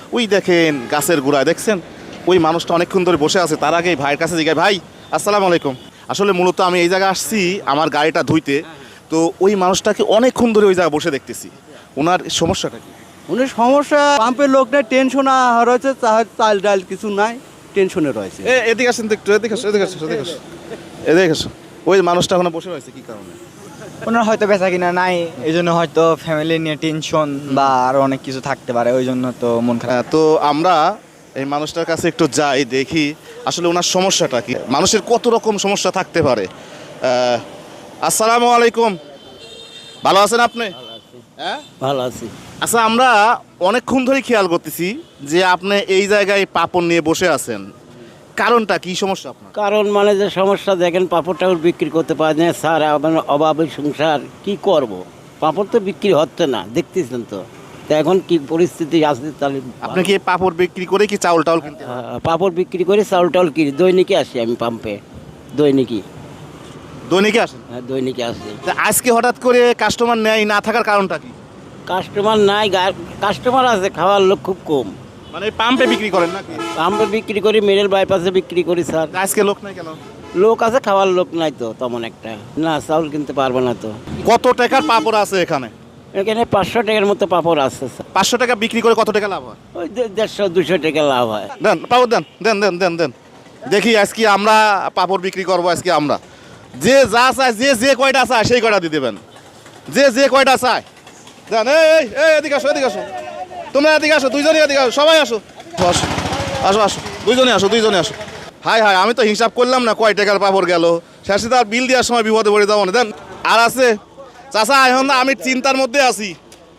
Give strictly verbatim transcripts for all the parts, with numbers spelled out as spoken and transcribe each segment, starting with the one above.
ওই দেখেন গাছের গোড়ায় দেখছেন ওই মানুষটা অনেকক্ষণ ধরে বসে আছে। তার আগে ভাইয়ের কাছে জিজ্ঞাসা, ভাই আসসালামু আলাইকুম। আসলে মূলত আমি এই জায়গায় আসছি আমার গাড়িটা ধুইতে, তো ওই মানুষটাকে অনেকক্ষণ ধরে ওই জায়গায় বসে দেখতেছি। ওনার সমস্যাটা কি? উনি সমস্যা পাম্পের লোক নাই, টেনশন রয়েছে, চাল ডাল কিছু নাই, টেনশনে রয়েছে। এ এদিকে আসেন তো একটু, এদিকে আসো, এদিকে আসো, এদিকে আসো, এদিকে আসো। ওই মানুষটা এখন বসে রয়েছে কি কারণে? ওনার হয়তো বেচা কিনা নাই, এই জন্য হয়তো ফ্যামিলি নিয়ে টেনশন বা আরো অনেক কিছু থাকতে পারে, ওই জন্য তো মন খারাপ। হ্যাঁ, তো আমরা এই মানুষটার কাছে একটু যাই, দেখি আসলে ওনার সমস্যাটা কি। মানুষের কত রকম সমস্যা থাকতে পারে। আহ, আসসালামু আলাইকুম, ভালো আছেন আপনি? হ্যাঁ ভালো আছি। আচ্ছা, আমরা অনেকক্ষণ ধরে খেয়াল করতেছি যে আপনি এই জায়গায় পাপড় নিয়ে বসে আছেন, কারণটা কি? সমস্যা আপনার? কারণ মানে যে সমস্যা দেখেন, পাঁপড় টাপড় বিক্রি করতে পারে না স্যার, আমার অভাবে সংসার কি করব। পাঁপড় তো বিক্রি হচ্ছে না, দেখতেছেন তো। তো এখন কি পরিস্থিতি আছে তাহলে? আপনি কি পাপড় বিক্রি করে কি চাউল টাউল কিনতে? আহ, পাঁপড় বিক্রি করে চাউল টাউল কিনি, দৈনিকে আসি আমি পাম্পে, দৈনিকই। দৈনিকে আসেন? হ্যাঁ, দৈনিকে আসি। তা আজকে হঠাৎ করে কাস্টমার নেই না থাকার কারণটা কি? কাস্টমার নাই, কাস্টমার আছে, খাওয়ার লোক খুব কম। মানে পাম্পে বিক্রি করেন নাকি? পাম্পে বিক্রি করি, মেরেল বাইপাসে বিক্রি করি স্যার। আজকে লোক নাই কেন? লোক আছে, খাওয়ার লোক নাই তো তেমন একটা। না, চাউল কিনতে পারবো না তো। কত টাকার পাপড় আছে এখানে? এখানে পাঁচশো টাকার মতো পাঁপড় আছে স্যার। পাঁচশো টাকা বিক্রি করে কত টাকা লাভ হয়? ওই দে- দেড়শো দুশো টাকা লাভ হয়। দেন পাপড় দেন, দেন দেন দেন দেন। দেখি আজকে আমরা পাপড় বিক্রি করবো। আজকে আমরা যে যা চায়, যে যে কয়টা চায় সেই কয়টা দিয়ে দেবেন, যে যে কয়টা চায় দেন। এই এই, এই এদিকে আসো, এদিকে আসো, তোমরা এদিকে আসো, দুইজনই এদিকে আসো, সবাই আসো, আসো আসো আসো, দুইজনে আসো, দুইজনে আসো। হাই হাই, আমি তো হিসাব করলাম না কয় টাকার পাপড় গেল, শেষে তার বিল দেওয়ার সময় বিপদে পড়ে যাবো না। দেন। আর আছে চাচা, এখন না আমি চিন্তার মধ্যে আছি,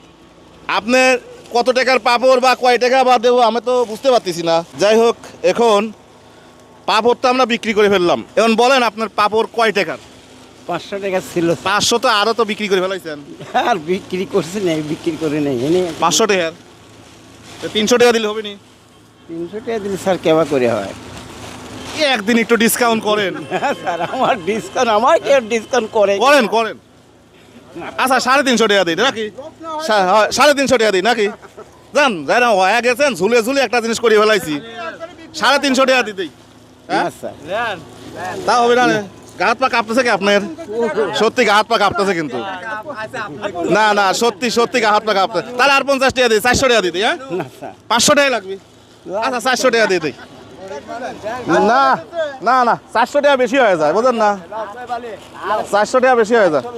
আপনার কত টাকার পাপড় বা কয় টাকা বা দেবো আমি তো বুঝতে পারতেছি না। যাই হোক, এখন পাপড় তো আমরা বিক্রি করে ফেললাম, এখন বলেন আপনার পাপড় কয় টাকার? পাঁচশো টাকা ছিল পাঁচশো তো আরও তো বিক্রি করে ফেলাইছেন। আর বিক্রি করছি না, বিক্রি করে নেই এনে। পাঁচশো টাকার তিনশো টাকা দিলে হবে নি? তিনশো টাকা দিলে স্যার কেবা করে হয়? এই একদিন একটু ডিসকাউন্ট করেন। হ্যাঁ স্যার, আমার ডিসকাউন্ট, আমার কে ডিসকাউন্ট করে? করেন করেন। আচ্ছা, সাড়ে তিনশো টাকা দিই নাকি? সা- হয়, সাড়ে তিনশো টাকা দিই নাকি? জান যাই না, হয়ে গেছেন, ঝুলে ঝুলে একটা জিনিস করে ফেলাইছি, সাড়ে তিনশো টাকা দিতেই। না স্যার, তা হবে না? গা হাত পা কাঁপতেছে কি আপনার? সত্যি গা হাত পা কাঁপতেছে কিন্তু। না না, সত্যি সত্যি গা হাত পা কাঁপতেছে। তাহলে আর পঞ্চাশ টাকা দিই, চারশো টাকা দিই। হ্যাঁ, না স্যার। পাঁচশো টাকা লাগবে। আচ্ছা, চারশো টাকা দিয়ে দিই। না না না, চারশো টাকা বেশি হয়ে যায়, বুঝলেন না? চারশো টাকা বেশি হয়ে যায়,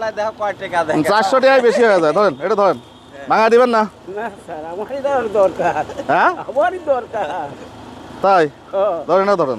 চারশো টাকাই বেশি হয়ে যায়। ধরেন, এটা ধরেন, ভাঙা দিবেন না? না স্যার, আমারই দেওয়ার দরকার, হ্যাঁ আমারই দরকার। তাই ও, ধরেন, এটা ধরেন,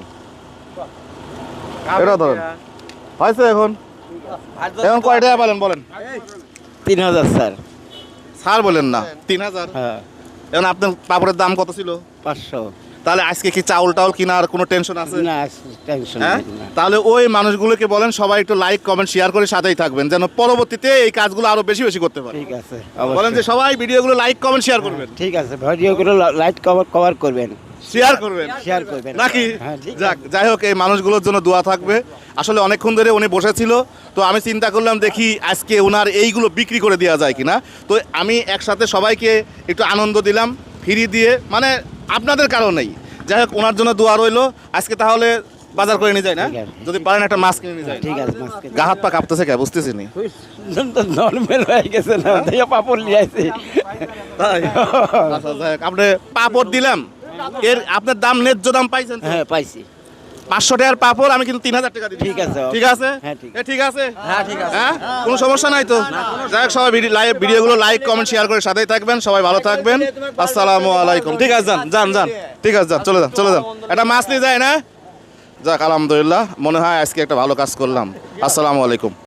এটা ধরেন। হয়েছে এখন? এখন কয় টাকা বলেন বলেন? তিন হাজার স্যার। ছাড় বলেন না, তিন হাজার। হ্যাঁ, এখন আপনার পাপড়ের দাম কত ছিল? পাঁচশো। তাহলে আজকে কি চাউল টাউল কেনার কোনো টেনশন আছে? না, টেনশন হ্যাঁ, নেই, না। তাহলে ওই মানুষগুলোকে বলেন সবাই একটু লাইক কমেন্ট শেয়ার করে সাথেই থাকবেন, যেন পরবর্তীতে এই কাজগুলো আরো বেশি বেশি করতে পারে। ঠিক আছে, বলেন যে অবশ্যই। সবাই ভিডিওগুলো লাইক কমেন্ট শেয়ার করবেন, ঠিক আছে, ভিডিওগুলো লাইট কভার কভার করবেন, শেয়ার করবেন শেয়ার করবেন নাকি? হ্যাঁ, ঠিক যাক, যাই হোক, এই মানুষগুলোর জন্য দোয়া থাকবে। আসলে অনেকক্ষণ ধরে উনি বসেছিল, তো আমি চিন্তা করলাম দেখি আজকে ওনার এইগুলো বিক্রি করে দেওয়া যায় কিনা। তো আমি একসাথে সবাইকে একটু আনন্দ দিলাম ফ্রি দিয়ে, মানে আপনাদের কারণেই। যাই হোক, ওনার জন্য দোয়া রইলো। আজকে তাহলে বাজার করে নিয়ে যায় না? ঠিক আছে। যদি পারেন একটা মাছ কিনে নিয়ে যায়। ঠিক আছে, মাস্কে গা হাত পা কাঁপতেছে কে বুঝতেছি নি। নর্মাল হয়ে গেছে না, দিয়ে পাপড় নিয়ে আসি। তাই? আচ্ছা, যাই হোক, আপনি পাপড় দিলাম, এর আপনার দাম ন্যায্য দাম পাইছেন তো? হ্যাঁ, পাইছি। পাঁচশো টাকার পাপড় আমি কিন্তু তিন হাজার টাকা দিই। ঠিক আছে। ঠিক আছে? হ্যাঁ, ঠিক এ, ঠিক আছে। হ্যাঁ, ঠিক আছে। হ্যাঁ, কোনো সমস্যা নাই তো? যাই হোক, সবাই ভিডিও লাইভ ভিডিওগুলো লাইক কমেন্ট শেয়ার করে সাথেই থাকবেন। সবাই ভালো থাকবেন। আসসালামু আলাইকুম। ঠিক আছে, যান যান যান। ঠিক আছে, যান, চলে যান, চলে যান। একটা মাছ নিয়ে যায় না? যাক, আলহামদুলিল্লাহ, মনে হয় আজকে একটা ভালো কাজ করলাম। আসসালামু আলাইকুম।